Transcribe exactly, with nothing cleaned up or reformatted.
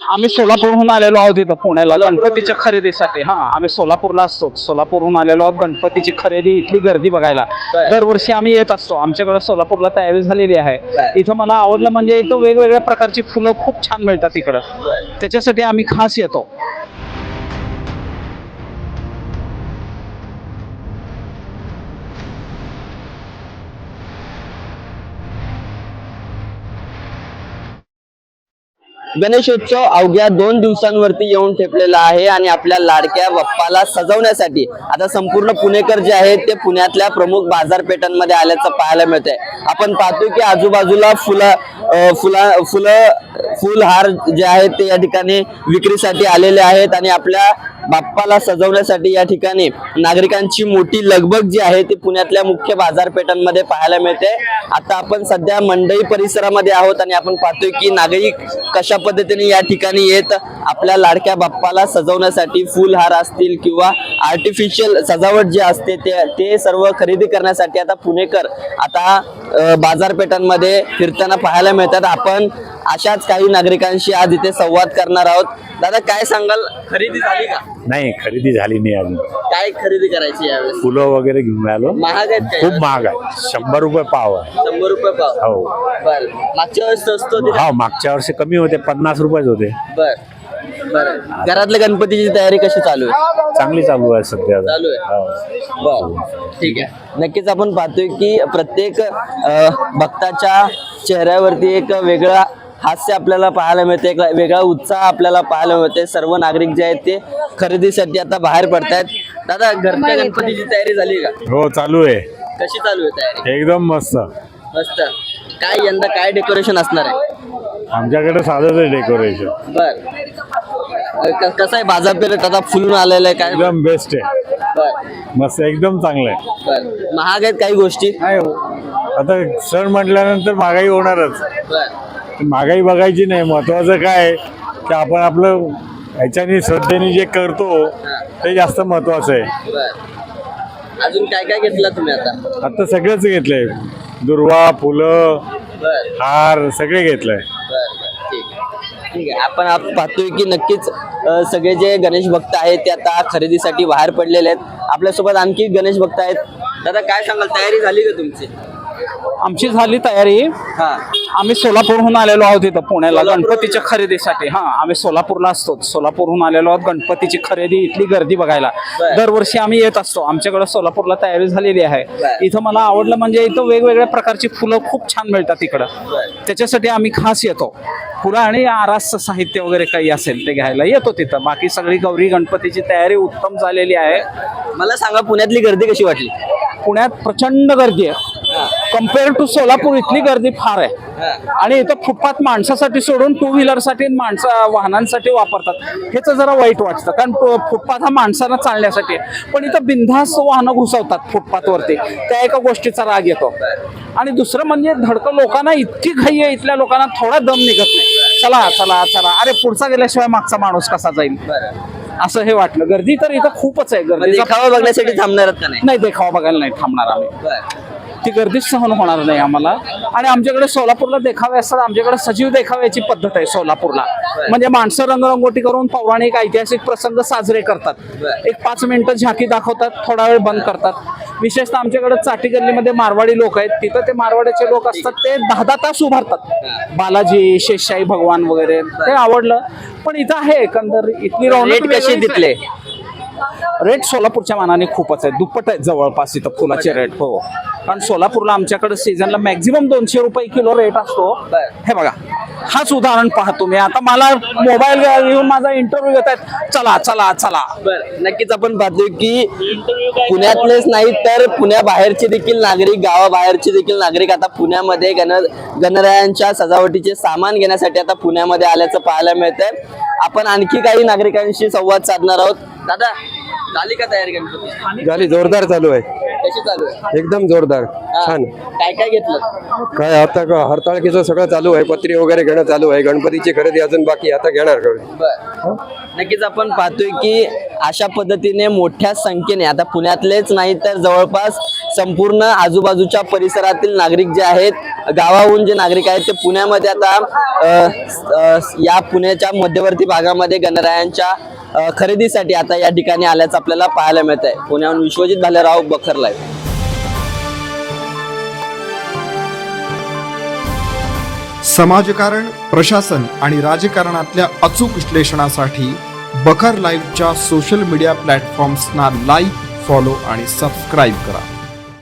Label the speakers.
Speaker 1: आम्ही सोलापूरहून आलेलो आहोत इथं पुण्याला गणपतीच्या खरेदीसाठी. हा आम्ही सोलापूरला असतो. सोलापूरहून आलेलो आहोत गणपतीची खरेदी, इथली गर्दी बघायला. दरवर्षी आम्ही येत असतो. आमच्याकडे सोलापूरला तयारी झालेली आहे. इथं मला आवडलं म्हणजे इथं वेगवेगळ्या प्रकारची फुलं खूप छान मिळतात इकडं. त्याच्यासाठी आम्ही खास येतो.
Speaker 2: गणेशोत्सव अवघ्या दोन दिवसांवरती येऊन ठेपलेला आहे आणि आपल्या लाडक्या बाप्पाला सजवण्यासाठी आता संपूर्ण पुणेकर जे आहेत ते पुण्यातल्या प्रमुख बाजारपेठांमध्ये आल्याचं पाहायला मिळतंय. आपण पाहतोय की आजूबाजूला फुलं फुला फुलं फुलहार जे आहेत ते या ठिकाणी विक्रीसाठी आलेले आहेत आणि आपल्या बाप्पाला सजवण्यासाठी या ठिकाणी नागरिकांची मोठी लगबग जी आहे ती पुण्यातल्या मुख्य बाजारपेठांमध्ये पाहायला मिळते. आता आपण सध्या मंडई परिसरामध्ये आहोत आणि आपण पाहतोय की नागरिक कशा पद्धतीने या ठिकाणी येत आपल्या लाडक्या बाप्पाला सजवण्यासाठी फुलहार असतील किंवा आर्टिफिशियल सजावट जी असते ते ते सर्व खरेदी करण्यासाठी आता पुणेकर आता बाजारपेठांमध्ये फिरताना पाहायला मिळतात. आपण अशाच काही नागरिकांशी आज इथे संवाद करणार आहोत. दादा काय सांगाल, खरेदी झाली का?
Speaker 3: नाही, खरेदी झाली नाही अजून.
Speaker 2: काय खरेदी करायची यावेळेस?
Speaker 3: फुलं वगैरे घेऊन आलो.
Speaker 2: महाग आहेत काय?
Speaker 3: खूप महाग आहे. शंभर रुपये पाव आहे.
Speaker 2: शंभर रुपये पाव?
Speaker 3: हो.
Speaker 2: बर, मागच्या वेळेस स्वस्त होते?
Speaker 3: हा, मागच्या वर्षी कमी होते, पन्नास रुपयेच होते.
Speaker 2: बर बर. घरातल्या गणपतीची तयारी कशी चालू आहे?
Speaker 3: चांगली चालू आहे सध्या.
Speaker 2: चालू आहे. बर, ठीक आहे. नक्कीच आपण पाहतोय की प्रत्येक भक्ताच्या चेहऱ्यावरती एक वेगळा हास्य आपल्याला पाहायला मिळते, एक वेगळा उत्साह आपल्याला पाहायला मिळते. सर्व नागरिक जे आहेत ते खरेदीसाठी आता बाहेर पडतायत. दादा, घरच्या गणपतीची तयारी झाली का?
Speaker 3: हो, चालू आहे.
Speaker 2: कशी चालू आहे तयारी?
Speaker 3: एकदम मस्त.
Speaker 2: मस्त. काय यंदा काय डेकोरेशन असणार आहे?
Speaker 3: आमच्याकडे साधंच आहे डेकोरेशन.
Speaker 2: बर, कसं आहे बाजारपेठ आता फुलून आलेलं आहे? काय
Speaker 3: एकदम बेस्ट आहे.
Speaker 2: बर,
Speaker 3: मस्त, एकदम चांगलं आहे.
Speaker 2: बर. महाग आहेत काही गोष्टी?
Speaker 3: आता सण म्हटल्यानंतर महागाई होणारच.
Speaker 2: बर,
Speaker 3: महागाई बघायची नाही. महत्वाचं काय आहे की आपण आपलं ह्याच्याने श्रद्धेने जे करतो ते जास्त महत्वाचं आहे.
Speaker 2: बर. अजून काय काय घेतला तुम्ही आता?
Speaker 3: आता सगळंच घेतलंय. दुर्वा, फुलं,
Speaker 2: बर
Speaker 3: हार सगळे घेतलंय.
Speaker 2: बर बर, ठीक आहे. ठीक आहे. आपण आप पाहतोय की नक्कीच अ, सगळे जे गणेश भक्त आहेत ते आता खरेदीसाठी बाहेर पडलेले आहेत. आपल्यासोबत आणखी गणेश भक्त आहेत. दादा काय सांगाल, तयारी झाली का तुमची?
Speaker 1: आमची झाली तयारी.
Speaker 2: हा,
Speaker 1: आम्ही सोलापूरहून आलेलो आहोत इथं पुण्याला गणपतीच्या खरेदीसाठी. हा आम्ही सोलापूरला असतो. सोलापूरहून आलेलो आहोत गणपतीची खरेदी, इथली गर्दी बघायला. दरवर्षी आम्ही येत असतो. आमच्याकडे सोलापूरला तयारी झालेली आहे. इथं मला आवडलं म्हणजे इथं वेगवेगळ्या प्रकारची फुलं खूप छान मिळतात इकडं. त्याच्यासाठी आम्ही खास येतो. फुलं आणि आरास साहित्य वगैरे काही असेल ते घ्यायला येतो तिथं. बाकी सगळी गौरी गणपतीची तयारी उत्तम झालेली आहे.
Speaker 2: मला सांगा, पुण्यातली गर्दी कशी वाटली?
Speaker 1: पुण्यात प्रचंड गर्दी आहे. कम्पेअर टू सोलापूर इथली गर्दी फार आहे. आणि इथं फुटपाथ माणसासाठी सोडून टू व्हीलरसाठी माणसं वाहनांसाठी वापरतात. ह्याचं जरा वाईट वाटतं, कारण फुटपाथ हा माणसांना चालण्यासाठी आहे. पण इथं बिनधास्त वाहनं घुसवतात फुटपाथवरती, त्या एका गोष्टीचा राग येतो. आणि दुसरं म्हणजे धडकं लोकांना इतकी घाई आहे, इथल्या लोकांना थोडा दम निघत नाही. चला चला चला, अरे पुढचा गेल्याशिवाय मागचा माणूस कसा जाईल, असं हे वाटलं. गर्दी तर इथं खूपच आहे. गर्दी
Speaker 2: देखावा बघण्यासाठी थांबणार का नाही?
Speaker 1: नाही, देखावा बघायला नाही थांबणार आम्ही. ती गर्दीच सहन होणार नाही आम्हाला. आणि आमच्याकडे सोलापूरला देखावे असतात. आमच्याकडे सजीव देखाव्याची पद्धत आहे सोलापूरला. म्हणजे माणसं रंगरंगोटी करून पौराणिक ऐतिहासिक प्रसंग साजरे करतात. एक पाच मिनिटं झाकी दाखवतात, थोडा वेळ बंद करतात. विशेषतः आमच्याकडे चाटी गल्लीमध्ये मारवाडी लोक आहेत. तिथं ते मारवाड्याचे लोक असतात, ते दहा दहा तास उभारतात. बालाजी, शेषशाही भगवान वगैरे, ते आवडलं. पण इथं आहे एकंदर इथली
Speaker 2: रेट कशी दिसले?
Speaker 1: रेट सोलापूरच्या मानाने खूपच आहे, दुप्पट आहेत जवळपास इथं फुलाचे रेट. हो, कारण सोलापूरला आमच्याकडे सीझनला मॅक्झिमम दोनशे रुपये किलो रेट असतो. हे बघा, हाच उदाहरण पहा तुम्ही. आता मला मोबाईल घेऊन माझा इंटरव्ह्यू घेत आहेत, चला चला चला.
Speaker 2: बरं, नक्कीच आपण पाहतोय की पुण्यातलेच नाही तर पुण्याबाहेरचे देखील नागरिक, गावाबाहेरचे देखील नागरिक आता पुण्यामध्ये गण गणरायांच्या सजावटीचे सामान घेण्यासाठी आता पुण्यामध्ये आल्याचं पाहायला मिळतंय. आपण आणखी काही नागरिकांशी संवाद साधणार आहोत. दादा, झाली का तयारी गणपती?
Speaker 4: झाली, जोरदार चालू आहे.
Speaker 2: कशी चालू आहे?
Speaker 4: एकदम जोरदार
Speaker 2: हा.
Speaker 4: छान.
Speaker 2: काय काय घेतलं?
Speaker 4: काय आता का हरताळकीचं सगळं चालू आहे, पत्री वगैरे घेणं चालू आहे, गणपतीची खरेदी अजून बाकी आहे, आता घेणार का?
Speaker 2: बर नक्कीच आपण पाहतोय की अशा पद्धतीने मोठ्या संख्येने आता पुण्यातलेच नाही तर जवळपास संपूर्ण आजूबाजूच्या परिसरातील नागरिक जे आहेत, गावाहून जे नागरिक आहेत ते पुण्यामध्ये आता अ, अ, या पुण्याच्या मध्यवर्ती भागामध्ये गणरायांच्या अ, खरेदीसाठी आता या ठिकाणी आल्याचं आपल्याला पाहायला मिळत आहे. पुण्याहून विश्वजित भालेराव, बखर लाईव्ह.
Speaker 5: समाजकारण, प्रशासन आणि राजकारणातल्या अचूक विश्लेषणासाठी बखर लाईव्हच्या सोशल मीडिया प्लॅटफॉर्म्सना लाईक, फॉलो आणि सबस्क्राईब करा.